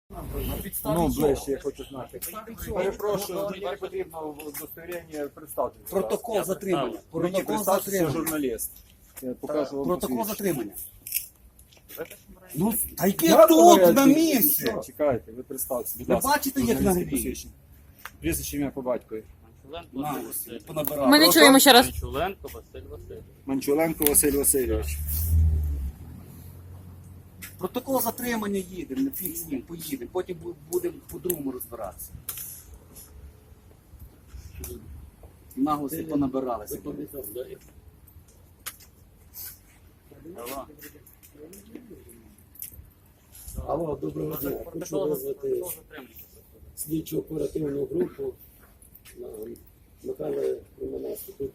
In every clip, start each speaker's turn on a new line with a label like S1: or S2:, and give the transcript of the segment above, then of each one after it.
S1: Ну, ближче, я хочу знати. Перепрошую, мені не потрібно удостоверення представити.
S2: Протокол затримання.
S1: Мені
S2: Протокол
S1: представте, що
S2: затримання.
S1: журналіст. Я покажу вам
S2: Протокол
S1: посвідчення.
S2: затримання. Ну, та який
S1: Як
S2: тут
S1: ви-
S2: на місці?
S1: Чекайте, ви представтеся, будь
S2: Ви
S1: ласка.
S2: бачите, як
S1: журналістське
S2: на грі?
S1: посвідчення. Прізвище ім'я по батькові.
S2: На, понабирав.
S3: Ми не чуємо ще раз.
S4: Манчуленко Василь Васильович.
S1: Манчуленко Василь Васильович.
S2: Протокол затримання їдемо, не фіг з ним, поїдемо. Потім будемо по-другому розбиратися. Наглості понабиралися.
S5: Алло, доброго дня. Хочу визвати слідчу оперативну групу на Михайла Романенка. Тут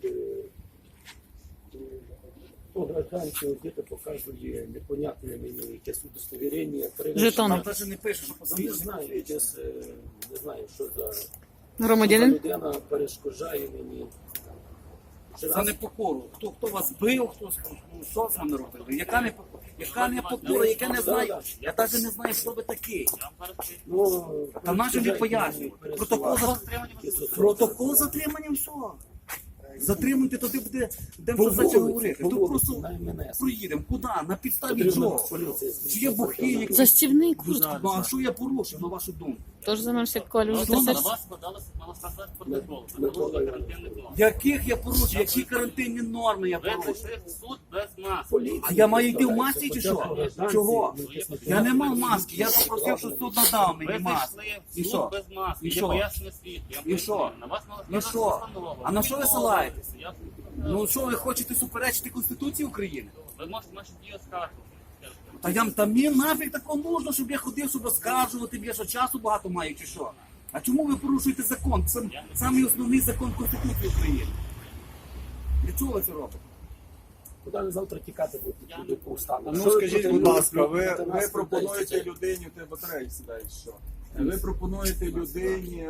S5: гражданці діти показує непонятне мені якесь удостовірення.
S3: Жетон.
S2: Там навіть не пише, що
S5: Не
S2: посвідчення.
S5: знаю, не знаю, що за
S3: Громадянин.
S5: людина перешкоджає мені.
S2: За непокору. Хто вас бив, що з вами робили? Яка непокора, яке не знаю. Я навіть не знаю, хто ви такий.
S5: Ну,
S2: Та наші не пояснюють. Протокол затримання, все. Затримуйте, то ти будемо за це говорити. Тут просто проїдемо. Куди? На підставі чого? Чи є бухи, які...
S3: Застібний куртку.
S2: Ну, а що я порушив, на вашу думку?
S3: Тож займаєшся колю.
S4: На вас подалося протокол. Це порушення карантинних норм.
S2: Яких я порушив? Які карантинні норми я
S4: Ви
S2: порушив?
S4: прийшли в суд без маски.
S2: А я маю йти в масці чи що? Чого? Я не мав маски, я попросив, що суд надав
S4: Ви
S2: мені маску.
S4: прийшли
S2: І
S4: в
S2: що?
S4: суд без маски.
S2: І
S4: Є
S2: що?
S4: пояснення свідків. Я
S2: І що?
S4: пояснюю. На вас мала
S2: Ну
S4: складатися
S2: що?
S4: постанова.
S2: А на що ви ссилаєтесь?
S4: Я-
S2: Ну що, ви хочете суперечити Конституції України?
S4: Ви можете наші дії оскаржити.
S2: Та мені нафіг такого нужно, щоб я ходив, щоб розкажувати, я що часу багато маю чи що? А чому ви порушуєте закон? Це самий основний закон Конституції України. Для чого ви це робите?
S5: Куди ви завтра тікати будете? Туди по устану?
S1: Ну скажіть, будь ласка, ви пропонуєте людині, ти батареї сідаєш, що? Ви пропонуєте людині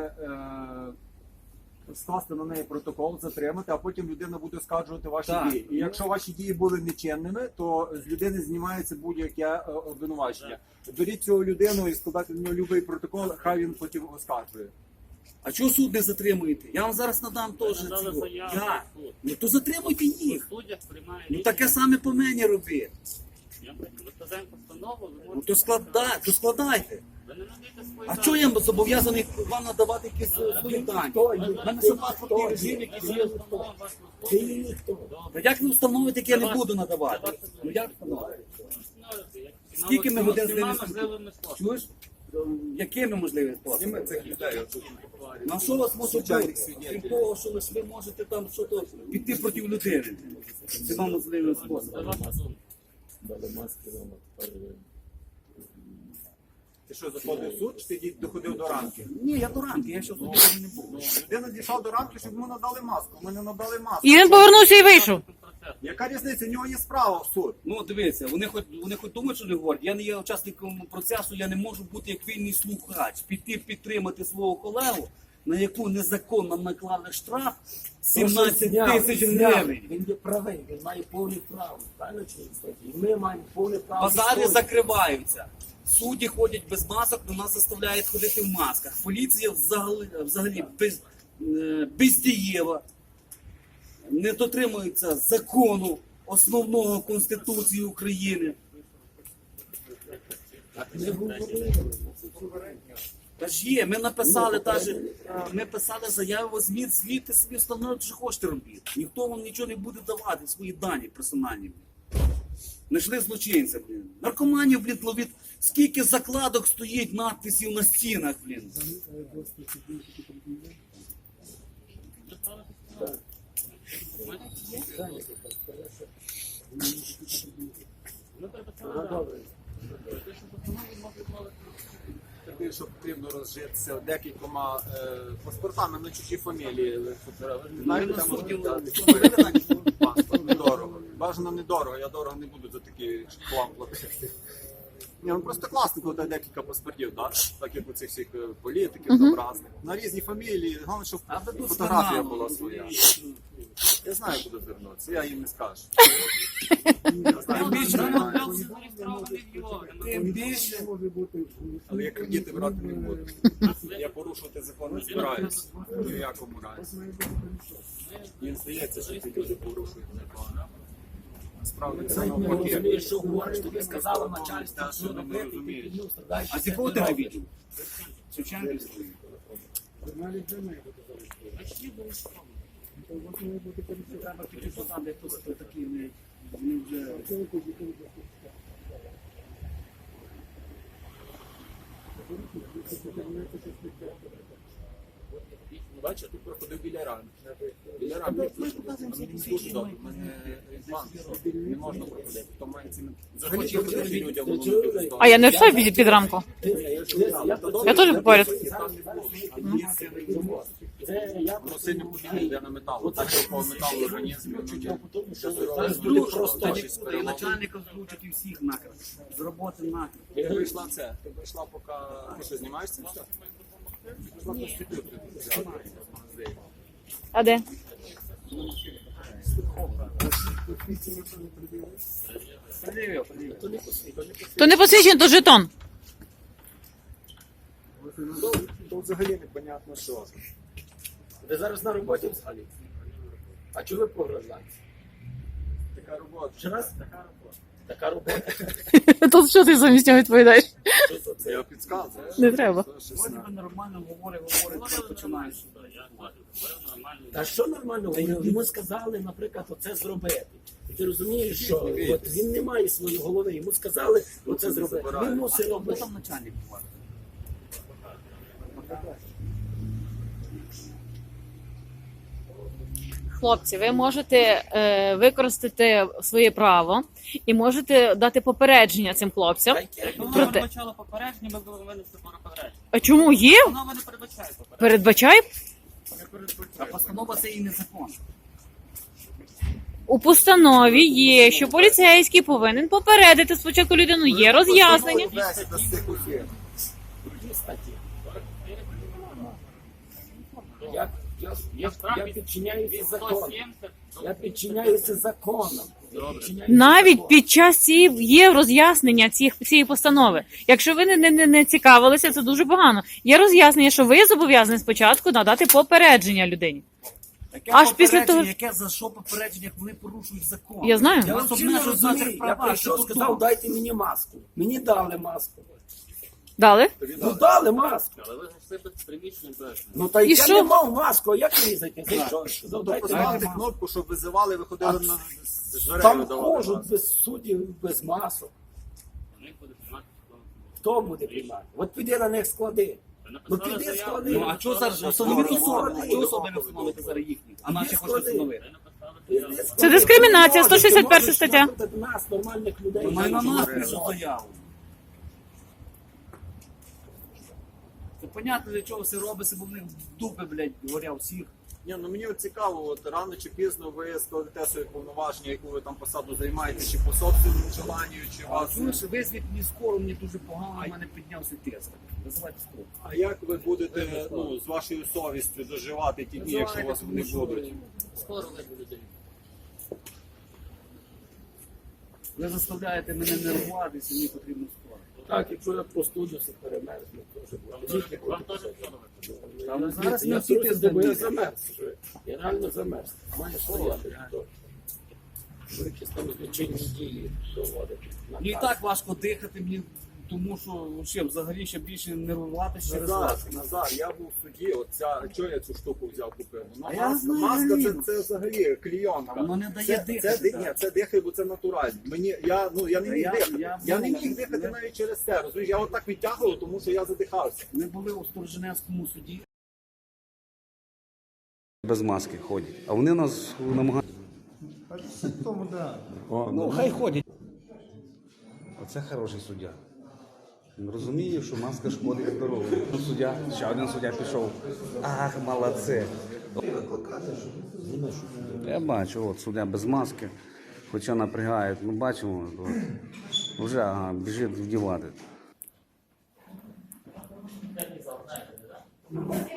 S1: скласти на неї протокол, затримати, а потім людина буде оскаржувати ваші
S2: Так.
S1: дії. І якщо ваші дії були нечинними, то з людини знімається будь-яке обвинувачення. Беріть цю людину і складайте на нього будь-який протокол, хай він потім оскаржує.
S2: А чого суд не затримуєте? Я вам зараз надам теж
S4: надали
S2: цього.
S4: заяву
S2: Я.
S4: в суд.
S2: Ну то затримуйте їх.
S4: В суддях приймає
S2: Ну
S4: рішення.
S2: таке саме по мені робіть.
S4: Ми складаємо постанову, ви
S2: Ну
S4: можете...
S2: то складайте.
S4: Ви не надаєте свої
S2: А
S4: дані.
S2: чого я зобов'язаний вам надавати якісь свої дані? У мене ще паспортний режим, якийсь є.
S5: Ти є ніхто.
S2: Та як ви встановите, як я не буду надавати? Ну як встановити? Скільки ми годин з ними
S4: можливими способами.
S2: Чуєш? Якими можливими способами?
S1: Цих людей.
S2: На що вас може бути? Крім того, що ви можете там щось піти проти людини. Це вам можливим
S4: Це
S2: способом.
S4: ваша думка.
S5: Дали маски вам тепер.
S1: Ти що, заходив в суд, чи ти доходив до ранки?
S2: Ні, я до ранки, я ще тут не був.
S1: Людина дійшла до ранки, щоб йому надали маску. Ми не надали маску.
S3: І він повернувся і вийшов.
S1: Яка різниця? У нього є справа в суд.
S2: Ну, дивіться, вони хоч думають, що не говорять. Я не є учасником процесу, я не можу бути як вільний слухач. Піти підтримати свого колегу, на яку незаконно наклали штраф 17 тисяч гривень.
S5: Він є правий, він має повне право. Правильно чи ні, кстати? І ми маємо повне право.
S2: Базари
S5: відстоювати.
S2: закриваються. Судді ходять без масок, до нас заставляють ходити в масках. Поліція взагалі бездієва. Не дотримується закону основного Конституції України.
S5: Не говорили.
S2: Та ж є, ми написали ми писали заяву, звідти собі встановлювати, що хочете робити. Ніхто вам нічого не буде давати, свої дані персональні. Знайшли злочинця, блін. Наркоманів, блін, ловить. Скільки закладок стоїть надписів на стінах, блін.
S4: Ми переписали
S5: Ну,
S4: дані.
S5: добре.
S1: Такий, що потрібно розжитися декількома паспортами на чужі фамілії. Знаєте, там можна паспорт недорого. Бажано недорого, я дорого не буду за такі хлам платити. Ні, ну просто класно, коли декілька паспортів, так як у цих всіх політиків, там різних. На різні фамілії, головне, щоб фотографія була своя. Я знаю, куди звернутися, я їм не скажу.
S2: Тим більше.
S1: Але я кредити брати не буду. Я порушувати закон не збираюся. Ні в якому разі. Їм здається, що ці люди порушують закон. Насправді це
S5: Не
S1: навпаки.
S5: розумієш, що говориш, тобі сказало начальство,
S1: Те,
S5: що
S1: що ви не
S5: робити, ти
S1: розумієте.
S5: піднів, страдаєш.
S2: А з якого ти не відділ? Шевченківський. Треба піти там, де хтось такі не вже...
S1: Бачиш, тут проходив біля рами. Біля рами. Дуже добре. У мене банк. Не можна проходити. То має ціну. Захочі людям.
S3: А я не все під рамку. Я теж поряд.
S5: Це я
S1: Воно сильно подібне йде на метал. Так, що по металу організмі.
S2: Просто і начальника зручать, і всіх нахер. З роботи нахер.
S1: Ти прийшла це. Ти прийшла, поки... Ти що, знімаєш це все? Прийшла проститутку взяти.
S3: А де? То не посвідчено, то жетон.
S1: То взагалі непонятно що.
S5: Ви зараз на роботі взагалі. А чого ви погрожаєте?
S1: Така робота.
S5: Ще раз? Така робота.
S3: То що ти замість нього відповідаєш?
S1: Я підказую.
S3: Не треба.
S2: Вроді би нормально говорить, починаєш.
S5: Та що нормально? Йому сказали, наприклад, оце зробити. І ти розумієш, що от він не має своєї голови, йому сказали оце зробити. Він мусить
S2: Хто
S5: робити.
S2: там начальник буває?
S3: Хлопці, ви можете використати своє право і можете дати попередження цим хлопцям.
S4: Воно
S3: Проте-
S4: передбачало попередження, ми були винесли попередження.
S3: А чому є?
S4: Воно не передбачає попередження.
S3: Передбачай.
S2: А постанова це і не закон.
S3: У постанові є, що поліцейський повинен попередити спочатку людину. Є роз'яснення.
S5: Які статті? Я підчиняюся законам. Я підчиняюся законам.
S3: Навіть під час є роз'яснення цієї постанови. Якщо ви не цікавилися, це дуже погано. Є роз'яснення, що ви зобов'язані спочатку надати попередження людині.
S2: Яке
S3: Аж після
S2: попередження,
S3: того-
S2: яке за що попередження, як вони порушують закон?
S3: Я знаю.
S5: Я
S2: Вас
S5: взагалі не
S2: обмежують в наших
S5: розумію. Я
S2: правах.
S5: прийшов,
S2: Це
S5: сказав,
S2: тут.
S5: дайте мені маску. Мені дали маску.
S3: Дали?
S5: Ну дали маску.
S4: Але ви зайшли без приміщення без.
S5: Ну та
S3: І
S5: я
S3: що?
S5: не мав маску, а як мені зайти? Зайшов, сказав, дайте мені
S1: Поставити
S5: маску.
S1: кнопку, щоб визивали, виходили на з дверей
S5: Там
S1: видавали.
S5: можуть без суддів, без масок.
S4: Вони будуть знати,
S5: Хто буде приймати? От піди на них склади. Ну піди склади.
S2: Ну, а чого зараз встановити особи? А чого особи не встановити зараз їхні? А наші хочуть встановити.
S5: Піди склади.
S3: Це дискримінація,
S5: Ти можеш,
S3: 161
S5: ти можеш
S3: стаття.
S5: напитати нас, нормальних людей.
S2: Має на нас пишуть заяву. Це понятно, для чого все робиться, бо в них дупи, блядь, горять всіх.
S1: Ні, ну мені от цікаво, от рано чи пізно ви складете свої повноваження, яку ви там посаду займаєте, чи по собственному желанню, чи
S2: А
S1: вас.
S2: чуєш, визвіть мені скоро, мені дуже погано, у мене піднявся тиск. Визивайте скоро.
S1: А як ви будете з вашою совістю доживати ті дні, якщо у вас вони будуть?
S4: скоро ви будете.
S2: Ви заставляєте мене нервуватися, мені потрібно скоро.
S5: Так, якщо я простудився, перемерзну, то вже буде.
S4: Вам теж скоро.
S2: Там зараз
S5: Я
S2: не всі
S5: просто бо я
S2: тиск.
S5: замерз. вже. Я реально замерз. Має стояти. Що якісь там злочинні дії проводити.
S2: Мені і так важко дихати, мені, тому що ще взагалі ще більше нервуватися через
S1: Назар,
S2: вас.
S1: Назар, я був в суді, чого я цю штуку взяв купив? Ну,
S2: А я знаю,
S1: маска
S2: Ліна.
S1: це взагалі клійонка.
S2: Воно не дає
S1: Це,
S2: дихати,
S1: ні,
S2: так.
S1: це дихає, бо це натурально. Я не міг дихати. Я не міг дихати
S2: я-
S1: навіть через це. Розумієш, я отак відтягував, тому що я задихався.
S2: Ми були у Сторожинецькому суді.
S6: Без маски ходять. А вони нас намагаються. Ну, хай ходять. Оце хороший суддя. Він розуміє, що маска шкодить здоров'ю. Ну, суддя, ще один суддя пішов. Ах, молодці. Я бачу, от суддя без маски, хоча напрягають. Ну, бачимо, от, вже біжить вдівати.